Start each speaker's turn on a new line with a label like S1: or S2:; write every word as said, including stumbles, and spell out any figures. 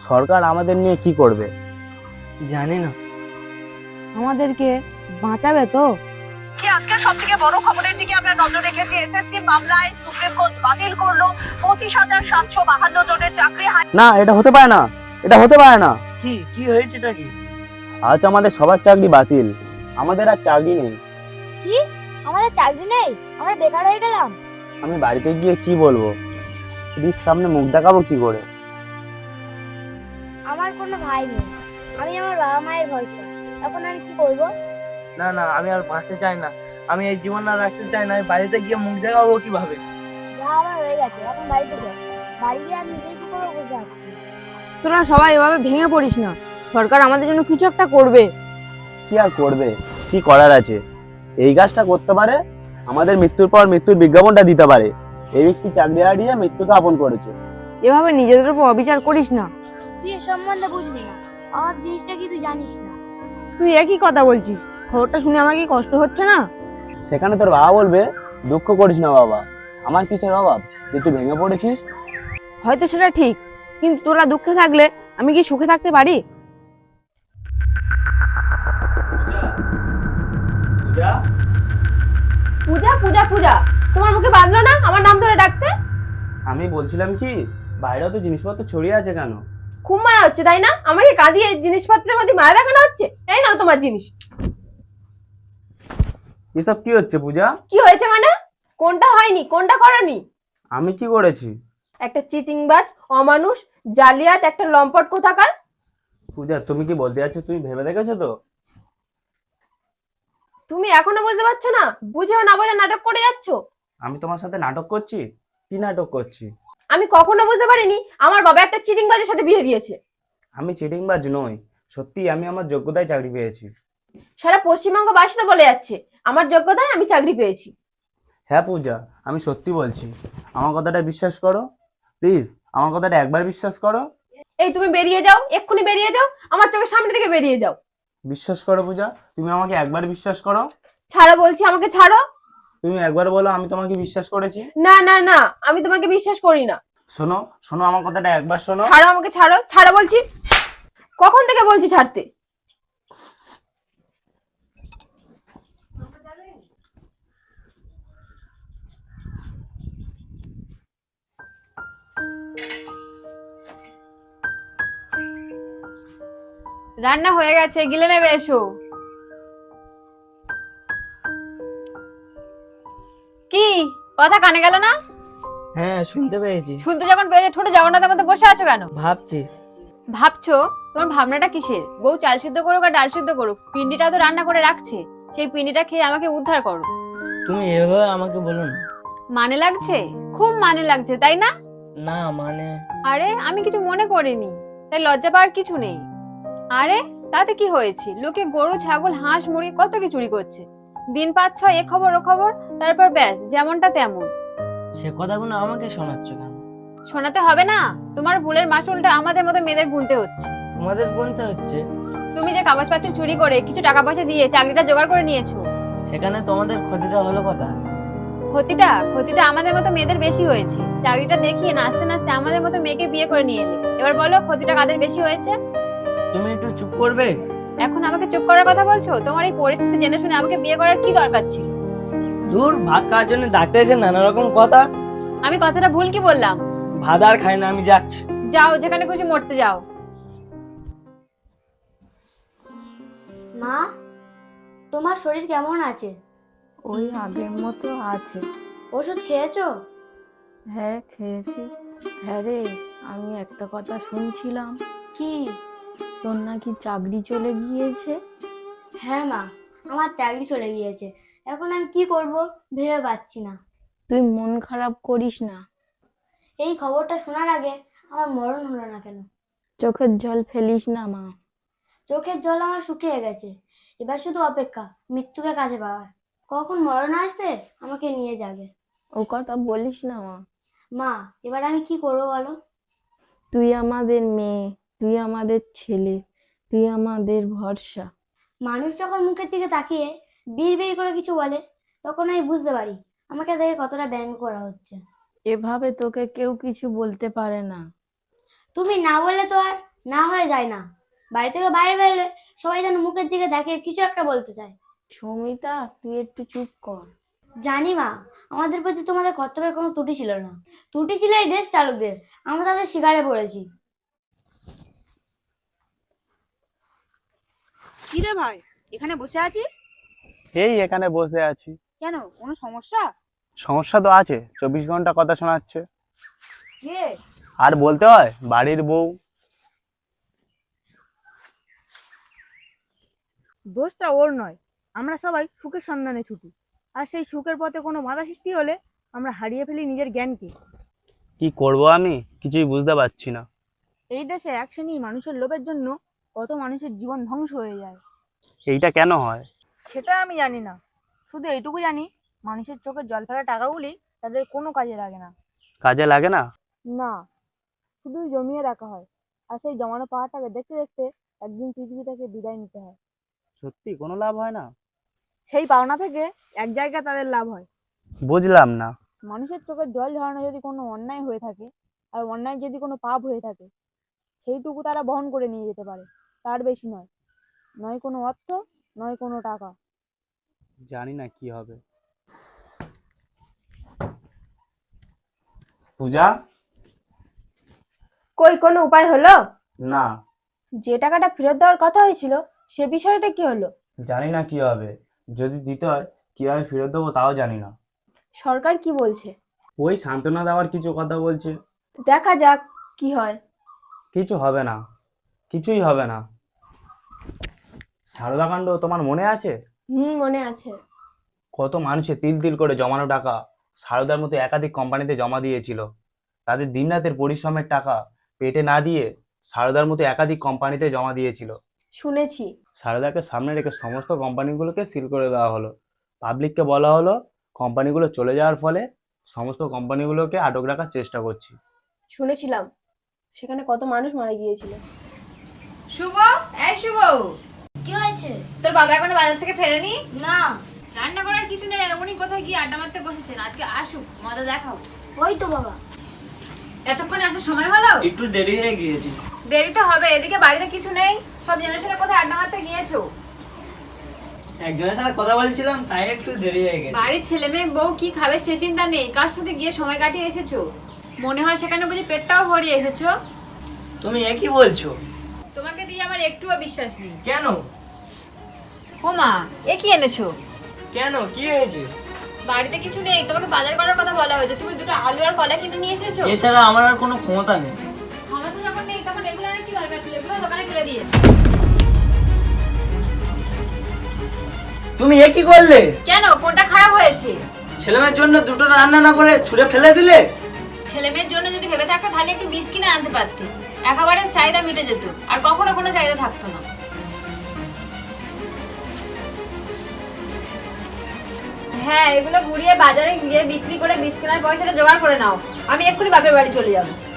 S1: সরকার আমাদের নিয়ে কি করবে
S2: জানি না।
S3: আমাদেরকে বাঁচাবে তো?
S4: কি আজকে সবথেকে বড় খবরের দিকে আমরা নজর রেখেছি। এসএসসি মামলায় সুপ্রিম কোর্ট বাতিল করলো পঁচিশ হাজার সাতশো বাহান্ন জনের চাকরি।
S1: না, এটা হতে পারে না, এটা হতে পারে না।
S2: কি কি হয়েছে এটা কি?
S1: আজ আমাদের সবার চাকরি বাতিল, আমাদের আর চাকরি নেই।
S5: কি আমাদের চাকরি নেই? আমরা বেকার হয়ে গেলাম?
S1: আমি বাড়িতে গিয়ে কি বলবো? স্ত্রীর সামনে মুখ দেখাবো কি করে?
S5: আমার কোনো ভাই নেই, আমি আমার বাবা মায়ের ভরসা। এখন আমি কি করব?
S2: না না, আমি আর বাঁচতে চাই না, আমি এই জীবন আর রাখতে চাই না। আমি বাড়িতে গিয়ে মুখ দেখাবো কিভাবে?
S5: যা আমার হয়ে গেছে, এখন বাড়িতে যাই। বাড়ি গিয়ে আমি নিজেই কি করবো বুঝতে পারছি না।
S3: তোরা সবাই এভাবে ভেঙে পড়িস না, সরকার আমাদের জন্য কিছু একটা করবে।
S1: কি আর করবে? কি করার আছে? এই কাজটা করতে পারে, আমাদের মৃত্যুর পর মৃত্যুর বিজ্ঞাপনটা দিতে পারে। এই ব্যক্তি চাকরি হারিয়ে মৃত্যুকে আপন করেছে।
S3: এভাবে নিজেদের উপর অবিচার করিস না।
S5: তুই এ সম্বন্ধে বুঝবি না, আমার জিনিসটা কি তুই জানিস না।
S3: তুই একই কথা বলছিস, খবরটা শুনে আমার কি কষ্ট হচ্ছে না?
S1: সেখানে তোর বাবা বলবে, দুঃখ করিস না বাবা, আমার কিসের অভাব যে তুই ভেঙে পড়েছিস।
S3: হয়তো সেটা ঠিক, কিন্তু তোরা দুঃখে থাকলে আমি কি সুখে থাকতে পারি?
S6: পূজা পূজা পূজা, তোমার মুখে বাজলো না আমার নাম ধরে ডাকতে?
S1: আমি বলছিলাম কি, বাইরেও তো জিনিসপত্র ছড়িয়ে আছে কেন?
S6: খুব মায়া হচ্ছে তাই না? আমাকে কাঁদিয়ে জিনিসপত্রের মধ্যে মায়া দেখানো হচ্ছে। এই নাও তোমার জিনিস।
S1: এসব কি হচ্ছে পূজা?
S6: কি হয়েছে মানে? কোনটা হয়নি, কোনটা করনি?
S1: আমি কি করেছি?
S6: একটা চিটিংবাজ, অমানুষ, জালিয়াত, একটা লম্পট কোথাকার।
S1: পূজা, তুমি কি বলতে যাচ্ছ তুমি ভেবে দেখেছো তো?
S6: তুমি এখনো বুঝতে পারছো না? বুঝেও না বোঝা নাটক করে যাচ্ছ।
S1: আমি তোমার সাথে নাটক করছি? কি নাটক করছি?
S6: আমি কখনো বুঝতে পারিনি আমার বাবা একটা চিটিংবাজের সাথে বিয়ে দিয়েছে।
S1: আমি চিটিংবাজ নই, সত্যি আমি আমার যোগ্যতায় চাকরি পেয়েছি।
S6: সারা পশ্চিমবঙ্গ বাসী তো বলে যাচ্ছে আমার যোগ্যতায় আমি চাকরি পেয়েছি।
S1: হ্যাঁ পূজা, আমি সত্যি বলছি, আমার কথাটা বিশ্বাস করো প্লিজ, আমার কথাটা একবার বিশ্বাস করো।
S6: এই তুমি বেরিয়ে যাও, এক্ষুনি বেরিয়ে যাও, আমার চোখের সামনে থেকে বেরিয়ে যাও।
S1: বিশ্বাস করো পূজা, তুমি আমাকে একবার বিশ্বাস করো।
S6: ছাড়ো বলছি, আমাকে ছাড়ো।
S1: তুমি একবার বলো আমি তোমাকে বিশ্বাস করেছি।
S6: না না না, আমি তোমাকে বিশ্বাস করি না।
S1: শোনো শোনো, আমার কথাটা একবার শোনো।
S6: ছাড়ো আমাকে, ছাড়ো ছাড়ো বলছি। কখন থেকে বলছি ছাড়তে?
S3: রান্না হয়ে গেছে, গিলে নেবে, এসো। কি কথা কানে গেল না?
S2: হ্যাঁ, শুনতে পেয়েছি।
S3: শুনতে যখন পেয়েছে ঠোঁটে জগন্নাথের মধ্যে বসে আছো কেন?
S2: ভাবছি।
S3: ভাবছো? তোমার ভাবনাটা কিসের? বউ চাল সিদ্ধ করুক আর ডাল সিদ্ধ করুক, পিন্ডিটা তো রান্না করে রাখছে, সেই পিন্ডিটা খেয়ে আমাকে উদ্ধার করো।
S2: তুমি এভাবে আমাকে বলো না।
S3: মানে লাগছে? খুব মানে লাগছে তাই না?
S2: না মানে,
S3: আরে আমি কিছু মনে করিনি, তাই লজ্জা পাওয়ার কিছু নেই। আরে তাতে কি হয়েছে? লোকে গরু ছাগল হাঁস মুরগি কত কি চুরি করছে, দিন পাঁচ ছয় এ খবর ও খবর, তারপর ব্যাস যেমনটা তেমন।
S2: সে কথাগুলো আমাকে শোনাচ্ছ কেন?
S3: শোনাতে হবে না, তোমার ভুলের মাসুলটা আমাদের মতো মেয়েদের গুনতে হচ্ছে।
S2: তোমাদের গুনতে হচ্ছে?
S3: তুমি যে কাগজপত্র চুরি করে কিছু টাকা পয়সা দিয়ে চাকরিটা জোগাড় করে নিয়েছো,
S2: সেখানে তোমাদের ক্ষতিটা হলো কথা।
S3: ক্ষতিটা ক্ষতিটা আমাদের মতো মেয়েদের বেশি হয়েছে। চাকরিটা দেখিয়ে নাচতে নাচতে আমাদের মতো মেয়েকে বিয়ে করে নিয়ে এলে, এবার বলো ক্ষতিটা কাদের বেশি হয়েছে?
S2: তুমি একটু চুপ করবে?
S3: এখন আমাকে চুপ করার কথা বলছো? তোমার এই পরিস্থিতি জেনে শুনে আমাকে বিয়ে করার কি দরকার ছিল?
S2: দূর, ভাত খাওয়ার জন্য ডাক্তার এসে নানা রকম কথা।
S3: আমি কথাটা ভুল কি বললাম?
S2: ভাত আর খাই না, আমি যাচ্ছি।
S3: যাও, যেখানে খুশি মরতে যাও।
S5: মা, তোমার শরীর কেমন আছে?
S7: ওই আগের মতো আছে।
S5: ওষুধ খেয়েছো?
S7: হ্যাঁ খেয়েছি। হ্যাঁ রে, আমি একটা কথা শুনছিলাম,
S5: কি?
S7: তোর নাকি চাকরি চলে গিয়েছে।
S5: হ্যাঁ মা, আমার চাকরি চলে গিয়েছে। এখন আমি কি করব ভেবে পাচ্ছি না।
S7: তুই মন খারাপ করিস না।
S5: এই খবরটা শোনার আগে আমার মরণ হলো না কেন?
S7: চোখের জল ফেলিস না মা।
S5: চোখের জল আমার শুকিয়ে গেছে, এবার শুধু অপেক্ষা মৃত্যুকে কাছে পাওয়ার। কখন মরণ আসবে আমাকে নিয়ে যাবে।
S7: ও কথা বলিস না মা।
S5: মা, এবার আমি কি করবো বলো?
S7: তুই আমাদের মেয়ে, তুই আমাদের ছেলে, তুই আমাদের ভরসা।
S5: মানুষ যখন মুখের দিকে তাকিয়ে বিড় বিড় করে কিছু বলে, তখন আমি বুঝতে পারি আমাকে দেখে কতটা ব্যঙ্গ করা হচ্ছে।
S7: এভাবে তোকে কেউ কিছু বলতে পারে না।
S5: তুমি না বললে তো আর না হয়ে যায় না। বাড়ি থেকে বাইরে বেরোলে সবাই যেন মুখের দিকে দেখে কিছু একটা বলতে চায়।
S7: সৌমিতা, তুই একটু চুপ কর।
S5: জানি মা, আমাদের প্রতি তোমাদের কর্তব্যের কোনো ত্রুটি ছিল না। ত্রুটি ছিল এই দেশ চালকদের, আমরা তাদের শিকারে পড়েছি।
S8: কি রে ভাই, এখানে বসে আছিস
S1: এই এখানে বসে আছি।
S8: কেন? কোনো সমস্যা?
S1: সমস্যা তো আছে, চব্বিশ ঘন্টা কথা শোনাচ্ছে।
S8: কে?
S1: আর বলতে হয়, বাড়ির বউ।
S8: দোষটা ওর নয়, আমরা সবাই সুখের সন্ধানে ছুটি, আর সেই সুখের পথে কোনো বাধা সৃষ্টি হলে আমরা হারিয়ে ফেলি নিজের জ্ঞানকে।
S1: কি করব আমি কিছুই বুঝতে পারছি না।
S8: এই দেশে এক শ্রেণীর মানুষের লোভের জন্য কত মানুষের জীবন ধ্বংস হয়ে যায়।
S1: এইটা কেন হয়?
S8: সেটা আমি জানি না, শুধু এইটুকু জানি মানুষের চোখে জল ফেলা টাকাগুলি তাদের কোনো কাজে লাগে না।
S1: কাজে লাগে না?
S8: না, শুধু জমিয়ে রাখা হয়, আর সেই জমানো পাহাড়টাকে দেখতে দেখতে একদিন পৃথিবী থেকে বিদায় নিতে হয়।
S1: সত্যি কোনো লাভ হয় না?
S8: সেই পাওনা থেকে এক জায়গায় তাদের লাভ হয়।
S1: বুঝলাম না।
S8: মানুষের চোখের জল ঝরানো যদি কোনো অন্যায় হয়ে থাকে, আর অন্যায় যদি কোনো পাপ হয়ে থাকে, সেইটুকু তারা বহন করে নিয়ে যেতে পারে, তার বেশি নয়। নয় কোনো অর্থ, নয় কোনো টাকা।
S1: জানি না কি হবে। পূজা,
S6: কই কোনো উপায় হলো?
S1: না
S6: যে টাকাটা ফেরত দেওয়ার কথা হয়েছিল সে বিষয়টা কি হলো?
S1: জানি না কি হবে। যদি দিতে হয় কিভাবে ফেরত দেবো তাও জানি না।
S6: সরকার কি বলছে?
S1: ওই সান্ত্বনা দেওয়ার কিছু কথা বলছে।
S6: দেখা যাক কি হয়।
S1: কিছু হবে না, কিছুই হবে না। সারদাকাণ্ড তোমার মনে আছে?
S6: হুম, মনে আছে।
S1: কত মানুষে তিল তিল করে জমানো টাকা সারদার মতো একাধিক কোম্পানিতে জমা দিয়েছিল। তাদের দিনরাতের পরিশ্রমের টাকা পেটে না দিয়ে সারদার মতো একাধিক কোম্পানিতে জমা দিয়েছিল।
S6: শুনেছি।
S1: সারদাকে সামনে রেখে সমস্ত কোম্পানিগুলোকে সিল করে দেওয়া হলো। পাবলিককে বলা হলো কোম্পানিগুলো চলে যাওয়ার ফলে সমস্ত কোম্পানিগুলোকে আটক রাখার চেষ্টা করছি।
S6: শুনেছিলাম সেখানে কত মানুষ মারা গিয়েছিল।
S3: শুভ, এই শুভ,
S5: কি হয়েছে?
S3: তোর বাবা এখনো বাজার থেকে ফেরেনি?
S5: না,
S3: রান্না করার কিছু নেই, আর উনি কোথায় গিয়ে আড্ডা মারতে বসেছেন। আজকে আসুক, মজা দেখাও।
S5: ওই তো বাবা।
S3: এতক্ষণে আসার সময় হলো?
S2: একটু দেরি হয়ে গিয়েছি।
S3: দেরি তো হবে, এদিকে বাড়িতে কিছু নেই, সব জেনে শুনে কোথায় আড্ডা মারতে গিয়েছো?
S2: একজনের সাথে কথা বলছিলাম, তাই একটু দেরি হয়ে গেছে।
S3: বাড়ির ছেলে মেয়ে বউ কি খাবে সে চিন্তা নেই, কার সাথে গিয়ে সময় কাটিয়ে এসেছো? মনে হয় সেখানে বুঝি পেটটাও ভরিয়ে এসেছো।
S2: তুমি এ কি বলছো?
S3: তোমাকে দিয়ে আমার একটুও বিশ্বাস নেই।
S2: কেন?
S3: ও মা, এ কি এনেছো?
S2: কেন, কি হয়েছে?
S3: বাড়িতে কিছু নেই, তোমাকে বাজার করার কথা বলা হয়েছে, তুমি দুটো আলু আর কলা কিনে নিয়ে এসেছো।
S2: এছাড়া আমার আর কোনো ক্ষমতা নেই।
S3: আমার তো যখন নেই তখন এগুলো আর কি দরকার ছিল, এগুলো দোকানে ফেলে দিয়ে।
S2: তুমি এ কি করলে?
S3: কেন, কোনটা খারাপ হয়েছে?
S2: ছেলেমেয়ের জন্য দুটো রান্না না করে ছুঁড়ে ফেলে দিলে।
S3: ছেলে মেয়ের জন্য যদি ভেবে থাকতে তাহলে একটু বিষ কিনে আনতে পারতে, একেবারে চাহিদা মিটে যেত, আর কখনো কোনো চাহিদা থাকতো না। হ্যাঁ, এগুলো ঘুরিয়ে বাজারে গিয়ে বিক্রি করে বিষ কেনার পয়সাটা জোগাড় করে নাও, আমি এক্ষুনি বাপের বাড়ি চলে যাবো।